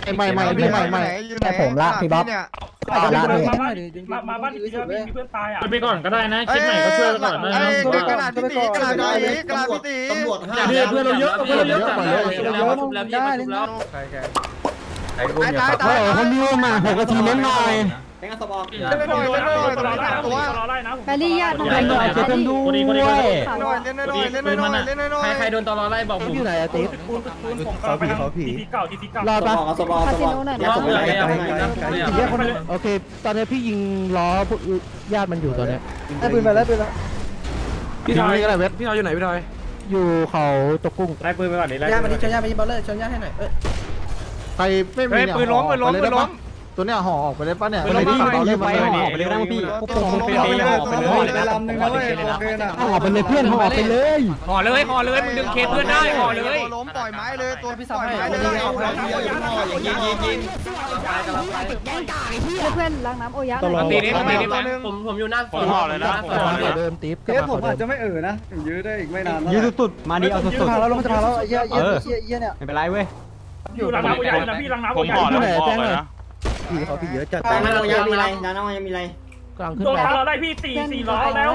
ไม่แต่ผมละพี่บ๊อบละมาบ้านที่มีเพื่อนตายอ่ะไปก่อนก็ได้นะคิดใหม่ก็ช่วยก่อนนะกระดาษพี่ตีกระดาษพี่ตีกระดาษพี่ตีตำรวจห้าเพื่อนเราเยอะเพื่อนเราเยอะก่อนเลยได้เล่นได้โอ้คนนี้มา6 นาทีเล่นหน่อยเล่นหน่อยเล่นหน่อยตัวรอได้นะแบลลี่ญาติเล่นหน่อยเล่นด้วยเล่นหน่อยเล่นหน่อยเล่นหน่อยเล่นหน่อยใครโดนตลอไล่บอกผมอยู่ไหนอะติ๊บปูนผมเขาผีเก่าทีเก่ารอดปะคาสิโนหน่อยนะโอเคตอนนี้พี่ยิงล้อญาติมันอยู่ตอนนี้ได้ปืนไปแล้วปืนแล้วพี่ทอยก็ได้เวทพี่ทอยอยู่ไหนพี่ทอยอยู่เขาตกกุ้งไล่ปืนไปก่อนดิไล่ย่ามาดิชนย่ามาดิบอลเลอร์ชนย่าให้หน่อยใครไม่มีเนี่ยปืนล้มตัวเนี้ยห่อออกไปได้ปะเนี่ยไปดิเล่นไปห่อไปเลยนะพี่พวกผมไปเลยห่อไปเลยลำหนึ่งนะเว้ยโอเคนะห่อไปเลยเพื่อนห่อไปเลยห่อเลยมึงดึงเคสเพื่อนได้ห่อเลยล้มปล่อยไม้เลยตัวพี่ปล่อยไม้เลยยิงเพื่อนล้างน้ำโอยะตีนี้ผมอยู่หน้าผมห่อเลยนะเดิมติ๊บเคสผมอาจจะไม่นะยื้อได้อีกไม่นานยืดสุดมาดิเอาสุดจะพาเราลงจะพาเราเยี่ยเนี่ยไม่เป็นไรเว้ยอยู่ล้างน้ำโอยานะพี่ล้างน้ำโอยาแจ้งเลยพี่เขาพี่เยอะจัดน้ายังมีอะไรน้ายังมีอะไรกลางขึ้นโดนไปตลอดไล่พี่สี่ล้อแล้ว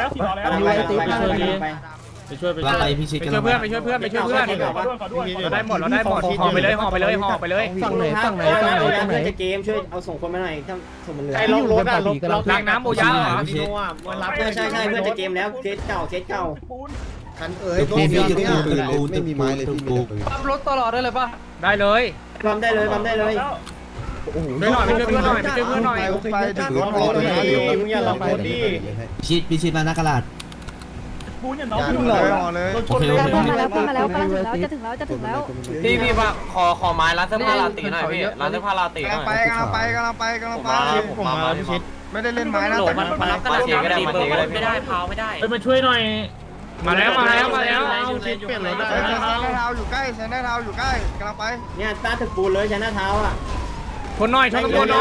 ไปช่วยไปช่วยไปช่วยเพื่อนไปช่วยเพื่อนเราได้หมดห่อไปเลยฝั่งไหนเพื่อนจะเกมช่วยเอาส่งคนมาหน่อยถ้าส่งมันเหลือไอ้ลงรถอะลงล้างน้ำโอยาเหรอใช่เพื่อนจะเกมแล้วเคสเก่าคันรถไม่มีไม้เลยพี่ปั๊มรถตลอดได้เลยป่ะได้เลยบำได้เลยไปหน่อยไปช่วยเพื่อนหน่อยไปถือรถรอเลยมึงอย่าหลอกคนดิพิชิตมาหน้ากระดาษปูนอย่างน้องขึ้นเลยรอเลยเพื่อนมาแล้วกำลังถึงแล้วจะถึงแล้วพี่ว่าขอไม้ร้านเสื้อผ้าลาตีหน่อยพี่ร้านเสื้อผ้าลาตีหน่อยกำลังไปผมมาพิชิตไม่ได้เล่นไม้นะแต่มันรับกระดาษก็ได้ไม่ได้เผาไม่ได้ไปมาช่วยหน่อยมาแล้วใช้หน้าเท้าอยู่ใกล้ใช้หน้าเท้าอยู่ใกล้กำลังไปเนี่ยตาถึกปูนเลยใช้หน้าเท้าอ่ะชนหน่อยไหวพวก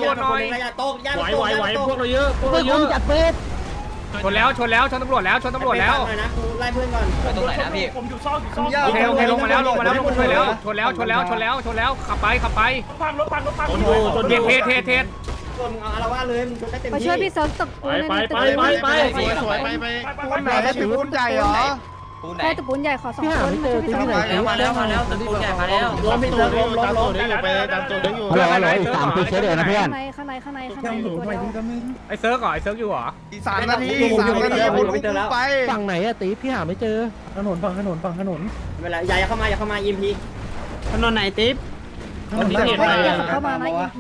เราเยอะจัดเฟสชนตำรวจแล้วนะกูไล่เพื่อนก่อนตรงไหนนะพี่ผมอยู่ซ่องโอเคลงมาแล้วช่วยแล้วชนแล้วขับไปพังรถพังเทมึงเอาอารวาสเลยมึงชนได้เต็มมาที่ช่วยพี่เซิร์ฟตกปูนไปสวยปูนไหนได้ถึงปูนใหญ่เหรอใช่ตกปูนใหญ่ขอ2 คนมาช่วยพี่เซิร์ฟหน่อยมาแล้วตึกปูนใหญ่มาแล้วล้มอะไรอีก3 ปีเฉยเดี๋ยวนะเพื่อนข้างในตัวเดียวไอ้เซิร์ฟอยู่เหรออีก3 นาทีไปฝั่งไหนอะตีพี่หาไม่เจอถนนฝั่งถนนเวลาอย่าเข้ามายิมพีถนนไหนติ๊บเข้ามานะ EP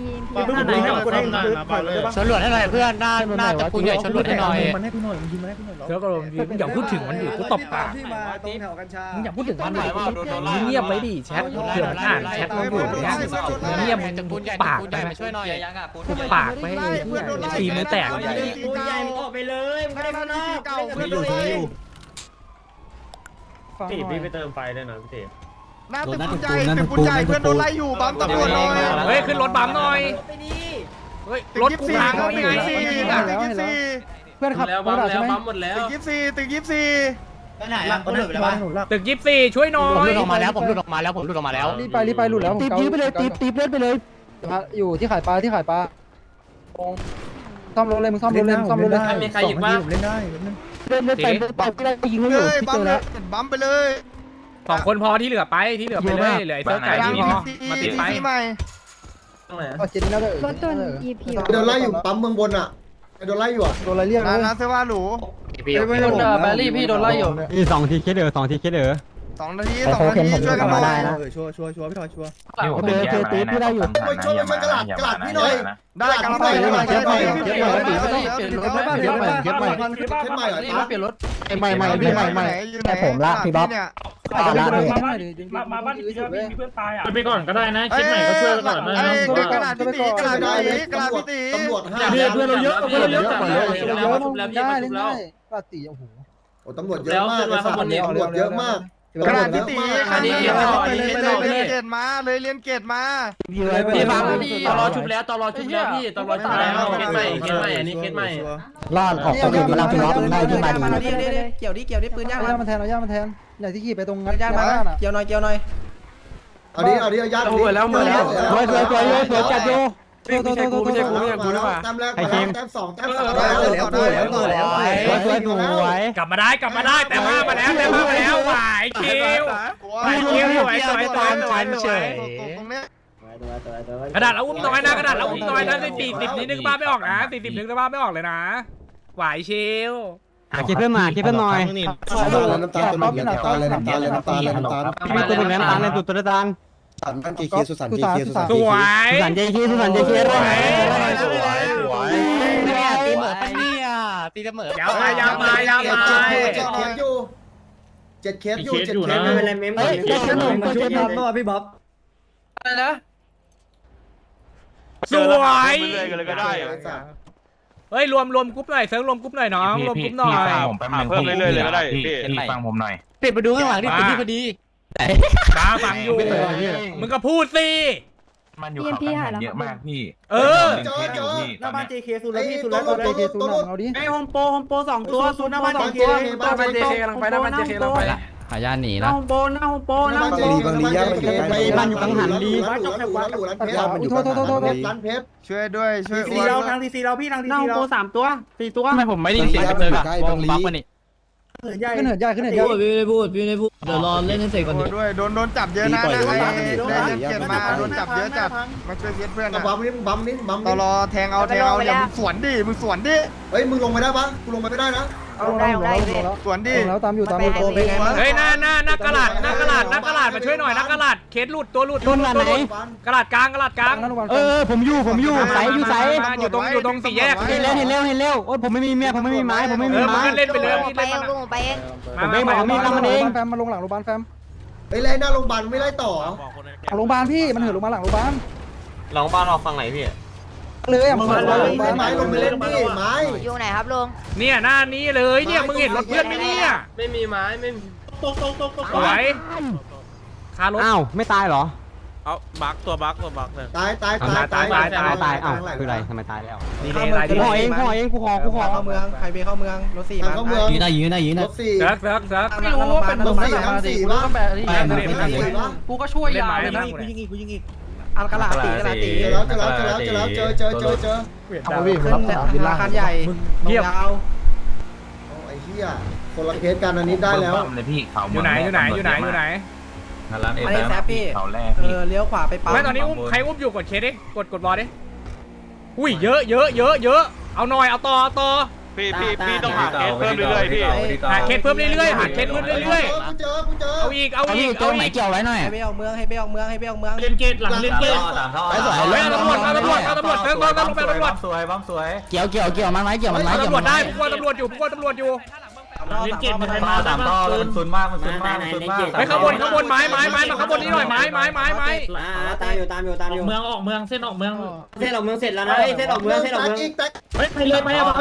ชนหลวดให้หน่อยเพื่อนหน้าตึกปูนใหญ่ชนหลวดให้หน่อยมันให้กูหน่อยมันยิงมันให้กูหน่อยเซิร์ฟก็ลงมึงอย่าพูดถึงมันดิกูตบปากที่มาตรงแถวกัญชามึงอย่าพูดถึงมันดิเงียบไปดิแชทเผื่อมันอ่านแชทเราอยู่เงียบมึงปากไปช่วยหน่อยปากไปตีมือแตกปูนใหญ่มึงออกไปเลยมึงไม่ได้ข้างนอกเก่าไม่อยู่ตีพี่ไปเติมไฟได้หน่อยพี่ตีหน้าตึกปูนใหญ่เพื่อนโดนไล่อยู่บัมตำรวจหน่อยเฮ้ยขึ้นรถบัมหน่อยเฮ้ยรถกูพังแล้วนี่ไงเพื่อนขับแล้วบัมแล้วบัมหมดแล้วตึก24 ตึก24ช่วยหน่อยผมหลุดออกมาแล้วรีบไปหลุดแล้วตีบยื้อไปเลยตีบเล่นไปเลยอยู่ที่ขายปลาซ่อมรถเลยมึงซ่อมรถเลยมีใครหยิบบ้างเล่นได้เล่นไปก็ได้ยิงเขาอยู่ที่เจอแล้วบัมไปเลย 2 คนพอที่เหลือไปเหลือไอ้เซิร์ฟไก่ที่มาติดไปรถตัว EP โดนไล่อยู่ปั๊มเมืองบนอ่ะโดนไล่อยู่อ่ะโดนอะไรเรียกนะเสื้อผ้าหรูไม่โดนแบลลี่พี่โดนไล่อยู่นี่2 ทีเคสเด้อ2 ทีเคสเด้อ 2 นาทีช่วยกันมาได้นะชัวร์พี่ทอยชัวร์โอเคตีพี่ได้อยู่ช่วยมันกระดาษพี่หน่อยได้กำลังไปเก็บใหม่เปลี่ยนรถแต่ผมละพี่บ๊อบมาบ้านที่มีเพื่อนตายอ่ะไปก่อนก็ได้นะคิดใหม่ก็ช่วยก่อนนะกระดาษพี่ตีกระดาษพี่ตีตำรวจห้าเพื่อนเราเยอะก่อนเลยได้เล่นได้กระตีโอ้โหโอ้ตำรวจเยอะมากเลยตำรวจเยอะมากกระดาษพี่ตีเรียนเกตมาเลยเรียนเกตมาพี่ฟังตลอชุบแล้วพี่ตลอชุบแล้วเคสใหม่อันนี้เคสใหม่รอดออกตัวอื่นมาแล้วพี่บ๊อบได้ที่มาดีเกี่ยวดิปืนย่างมันแทนอย่างที่ขี่ไปตรงงัดย่างมาเกี่ยวหน่อยเอาดิเอาญาติหมดแล้วสวยจัดโยไม่ใช่กูหรือเปล่าแต้มแรกแต้มสองแต้มสามสวยกลับมาได้แต่มาแล้วไหวคิวสวยเฉยกระดาษเอาอุ้มน้อยนะกระดาษเอาอุ้มน้อยนะ40นิดนึงบ้าไม่ออกนะ40นึงบ้าไม่ออกเลยนะไหวชิวคิดเพิ่มหน่อยน้ำตาลตัวนี้น้ำตาลเลยน้ำตาลมีตัวหนึ่งน้ำตาลในตัวน้ำตาลสันเจคีสุสันเจคีสวยสันเจคีสวยตีเหมือปะเนี่ยตีเหมือยาวมา 7 เคสอยู่ไม่เป็นไรเมมก่อนมาช่วยทำด้วยพี่บ๊อบอะไรนะสวยเฮ้ยรวมกรุ๊ปหน่อยเซิร์ฟรวมกรุ๊ปหน่อยน้องรวมกรุ๊ปหน่อยเพิ่มเรื่อยๆเลยก็ได้พี่ฟังผมหน่อยปิดมาดูข้างหลังดิปิดที่พอดีบ้าฟังอยู่มึงก็พูดสิมันอยู่เขากันเยอะมากพี่หน้าบ้าน JK สุดแล้วพี่สุดแล้วเอาดิไอโฮมโป2ตัวสุดหน้าบ้าน JK หน้าบ้าน JK กำลังไปหน้าบ้าน JK กำลังไปขายาหนีหน้าละโฮมโปบางลีย่ามันอยู่ใกล้บ้านอยู่กังหันดีมันอยู่ร้านเพชรช่วยด้วยช่วยทีเราทางทีเราพี่ทางทีเรา3 ตัว4 ตัวทำไมผมไม่ได้ยินเสียงเลยอะบักมานี่ขึ้นเหินใหญ่พี่ไม่ได้พูดเดี๋ยวรอเล่นให้เสร็จก่อนด้วยโดนจับเยอะนะได้เกียรติมาโดนจับเยอะจัดมาช่วยเพื่อนนะบัมนี่ตลอแทงเอาอย่ามึงสวนดิเฮ้ยมึงลงไปได้ปะกูลงไปไม่ได้นะสวนดิแล้วตามอยู่ตัวเป็นไงบ้างเฮ้ยหน้ากระดาษมาช่วยหน่อยหน้ากระดาษเคสหลุดตัวหลุดกระดาษกลางผมอยู่ใสอยู่ตรงสี่แยกเห็นแล้วโอ้ผมไม่มีเมียผมไม่มีไม้มึงเล่นไปเลยไปเองลุงไปเองมาเองแฟมมาลงหลังโรงพยาบาลแฟมไอ้ไล่หน้าโรงพยาบาลไม่ไล่ต่อโรงพยาบาลพี่มันเหินลงมาหลังโรงพยาบาลหลังบ้านออกฝั่งไหนพี่เลยอ่ะไม้ลงไปเล่นดิไม้อยู่ไหนครับลุงเนี่ยหน้านี้เลยเนี่ยมึงเห็นรถเพื่อนไหมเนี่ยไม่มีไม้ไม่มีตกสวยคารถอ้าวไม่ตายเหรอเอาบักเลยตายอ้าวคืออะไรทำไมตายแล้วดีเลยอะไรดีห่อเองกูขอเข้าเมืองไฮเวย์เข้าเมืองรถ4มายืนได้รถ4 เซิร์ฟไม่รู้ว่าเป็นรถ4บ้างกูก็ช่วยยาวเลยนะกูยิงอีกอันกระลาตีเจอขึ้นราคาใหญ่ยาวไอ้เหี้ยคนละเคสกันอันนี้ได้แล้วเลยพี่เขาอยู่ไหนอันนี้แซฟพี่เลี้ยวขวาไปปั๊มไม่ตอนนี้ใครอุ้มอยู่กดเคสดิกดบอลดิอุ้ยเยอะเอาหน่อยเอาต่อพี่ต้องหาเคสเพิ่มเรื่อยๆพี่หาเคสเพิ่มเรื่อยๆกูเจอเอาอีกตัวไหนเกี่ยวไว้หน่อยให้ไปออกเมืองเล่นเกตหลังเล่นเกตเอาตำรวจเซิร์ฟสวยเกี่ยวมันไหมตำรวจได้พวกตำรวจอยู่เล่นเกตมันไปมา3 ท่อมันซุนมากไปข้างบนไม้มาข้างบนนี้หน่อยไม้ตามอยู่ออกเมืองเส้นออกเมืองเสร็จแล้วนะเส้นออกเมืองไปเลยไปเอา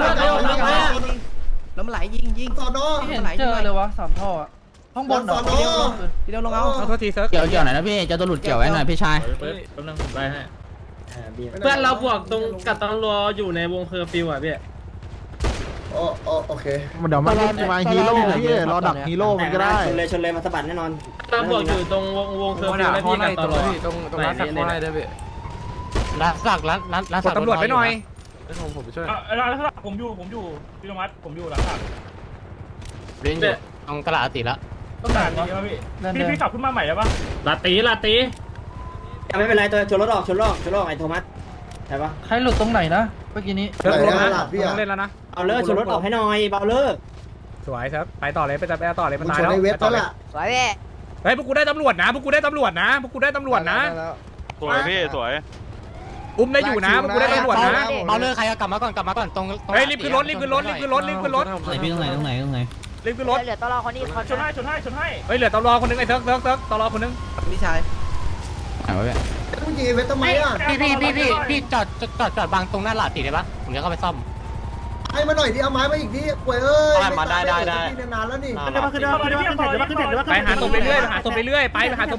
แล้วมันไหลยิงสอนอเห็นเจอเลยวะ3 ท่อห้องบนทีเดียวลงเอาโทษทีเซิร์ฟเกี่ยวหน่อยนะพี่จะตัวหลุดเกี่ยวไว้หน่อยพี่ชายแป๊บนึงไปให้เพื่อนเราบวกตรงกับตำรวจอยู่ในวงเคอร์ฟิวอ่ะพี่โอเคเดี๋ยวมาฮีโร่พี่รอดักฮีโร่มันก็ได้ชนเลยมาสะบัดแน่นอนเราบวกอยู่ตรงวงเคอร์ฟิวแล้วพี่กับตำรวจตรงร้านสักข้อได้ด้วยพี่ร้านสักตำรวจไปหน่อยผมไปช่วยร้านสักผมอยู่พี่ธรรมะผมอยู่ร้านสักเรียนอยู่ตรงกระดาษติละต้องด่านนี้ป่ะพี่ขับขึ้นมาใหม่ได้ป่ะลาตีไม่เป็นไรตัวชนรถออกไอ้โทมัสใช่ปะใครหลุดตรงไหนนะเมื่อกี้นี้เซิร์ฟลงนะต้องเล่นแล้วนะเอาเลิกชนรถออกให้หน่อยเบาเลิกสวยครับไปต่อเลยไปต่อเลยมันตายแล้วในเว็บแล้วล่ะสวยพี่เฮ้ยพวกกูได้ตำรวจนะพวกกูได้ตำรวจนะสวยพี่สวยอุ้มได้อยู่นะพวกกูได้ตำรวจนะเอาเลิกใครกลับมาก่อนตรงเฮ้ยรีบขึ้นรถไหนพี่ตรงไหนรีบขึ้นรถเหลือตลอคนนี้เขาชนให้เฮ้ยเหลือตำรวจคนนึงไอ้เซิร์ฟตำรวจคนนึงพี่ชายผู้หญิงเว็บทำไมอ่ะพี่จอดบางตรงหน้าหลาดติได้ปะผมจะเข้าไปซ่อมให้มาหน่อยดิเอาไม้มาอีกดิป่วยเอ้ยมาได้นานแล้วนี่ไปหาศพเรื่อยไปหาศพเรื่อย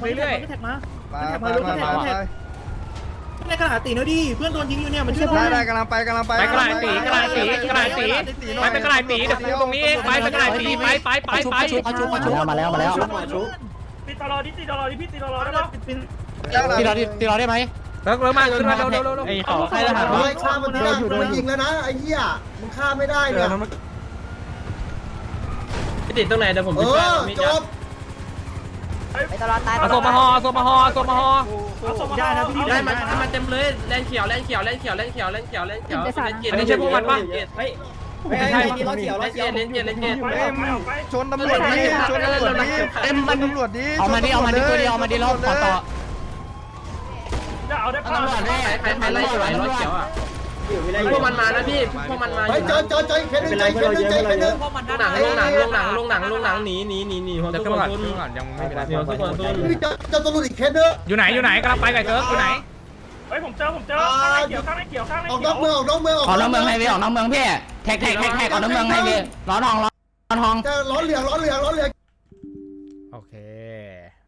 ในกระดาษตีนะดิเพื่อนโดนยิงอยู่เนี่ยมันช่วยได้กำลังไปไปกระดาษตีไปกระดาษตีเดี๋ยวกูตรงนี้เองไปกระดาษตีไปมาแล้วไปติดตลอดดิติดตลอดดิพี่ติดตลอดได้ปะตีเราได้ไหมเลิกมาขึ้นมาเร็วไอ้เขาใครทหารเฮ้ยฆ่ามันไม่ได้มันยิงแล้วนะไอ้เหี้ยมึงฆ่าไม่ได้เนี่ยพี่ติดตรงไหนเดี๋ยวผมจบไปตลอดตายเอาศพมาห่อศพมาห่อศพมาห่อได้นะพี่ได้มันเต็มเลยแลนเขียวแลนเขียวแลนเขียวแลนเขียวแลนเขียวแลนเขียวอันนี้ใช่พวกมันปะไม่ใช่ล้อเขียวล้อเขียวเลนเขียวเลนเขียวไปชนตำรวจดิชนตำรวจดิตำรวจดิเอามาดิตัวเดียวเอามาดิรอบขอต่อจะเอาได้ปะใครไล่ล้อเขียวอ่ะพวกมันมานะพี่พวกมันมาเฮ้ยเจอแค่นึงใจแค่นึงใจแค่นึงลงหนังหนีหัวเดี๋ยวทุขึ้กนคมาน ก่อนยังไม่เป็นไรหัวทุกคนเจอตำรวจอีกแค่นึงอยู่ไหนกำลังไปไก่เซิร์ฟอยู่ไหนเฮ้ยผมเจอข้างในเขียวข้างในเขียวข้างในออกเขีนยอวกเมืองออกนอกเมืองออกนอกเมืองไฮเวย์ออกนอกเมืองพี่แท็กออกนอกเมืองไฮเวย์ล้อทองจะล้อเหลืองโอเค